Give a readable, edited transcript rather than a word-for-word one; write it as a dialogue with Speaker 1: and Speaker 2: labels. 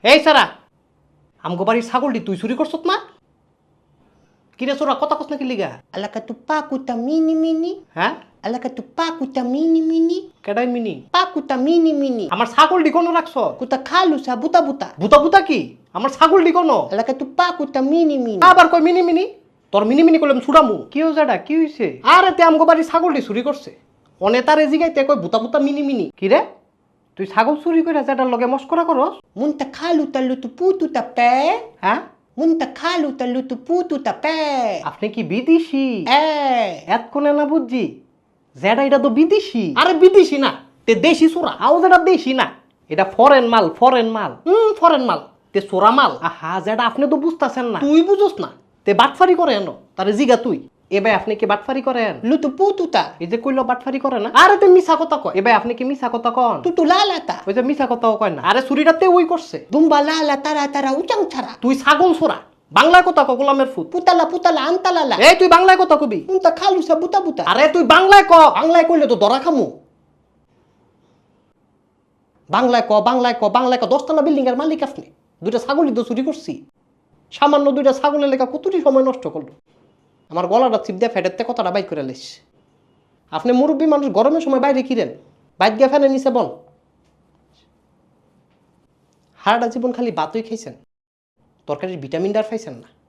Speaker 1: এই সারা আমগো বাড়ির ছাগলটি তুই চুরি করছত না? কিরে চোরা কথা কস না কি লিগা?
Speaker 2: Alaka tu pakuta mini mini.
Speaker 1: হ্যাঁ
Speaker 2: Alaka tu pakuta mini mini.
Speaker 1: কেডাই মিনি?
Speaker 2: Pakuta mini mini.
Speaker 1: আমার ছাগলটি কোনো রাখছ?
Speaker 2: Kuta kalu sa buta buta.
Speaker 1: বুতা বুতা কি? আমার ছাগলটি কোনো?
Speaker 2: Alaka tu pakuta mini mini.
Speaker 1: আবার কই মিনি মিনি? তোর মিনি মিনি করলাম ছুড়ামু। কি হইছে এটা? কি হইছে? আরে তে আমগো বাড়ির ছাগলটি চুরি করছে। অনেতারে জিগাইতে কই বুতা বুতা মিনি মিনি। কি রে? তুই ছাগল চুরি করে যেটার লগে মস্করা করস?
Speaker 2: Munta kalu ta lutu putu ta pe.
Speaker 1: হ্যাঁ
Speaker 2: Munta kalu ta lutu putu ta pe.
Speaker 1: আপনি কি বিদেশি? এতক্ষণে না বুঝছি যেটা এটা তো বিদেশি। আরে বিদেশি না, তে দেশি চোরা। আও যেটা দেশি না, এটা ফরেন মাল, ফরেন মাল। ফরেন মাল, তে চোরা মাল। আহা যেটা আপনি তো বুঝতাছেন না। তুই বুঝোস না, তে বাটফারি করে এনো। তারে জিগা তুই। এবার আপনি কি বাটফারি করেন?
Speaker 2: Lutu putu ta.
Speaker 1: এই যে কইলো বাটফারি করে না। আরে তে মিছা কথা কয়। এবার আপনি কি মিছা কথা কন?
Speaker 2: Tutu lala ta.
Speaker 1: ওই যে মিছা কথাও কয় না। আরে চুরিটাতে ওই করছে।
Speaker 2: Dumba lala tara tara uchang chara.
Speaker 1: তুই ছাগল চোরা। বাংলায় কথা ক, গোলামের ফুট।
Speaker 2: Putala putala antalala.
Speaker 1: এই তুই বাংলায় কথা কবি।
Speaker 2: Munta kalu sa buta buta.
Speaker 1: আরে তুই বাংলায় ক। বাংলায় কইলে তো ধরা খামু। বাংলায় ক, বাংলায় ক, বাংলায় ক। 10তলা বিল্ডিং এর মালিক আপনি। দুইটা ছাগলই তো চুরি করছি। সামান্য দুইটা ছাগলের লেখা কতটি সময় নষ্ট করলো। আমার গলাটা চিপ দিয়ে ফেটেতে কথাটা বাইক করে লাইস। আপনি মুরব্বী মানুষ, গরমের সময় বাইরে কিরেন? বাইক গিয়ে ফ্যানের নিচে বল। হারাটা জীবন খালি বাতই খাইছেন, তরকারির ভিটামিন ডার পাইছেন না।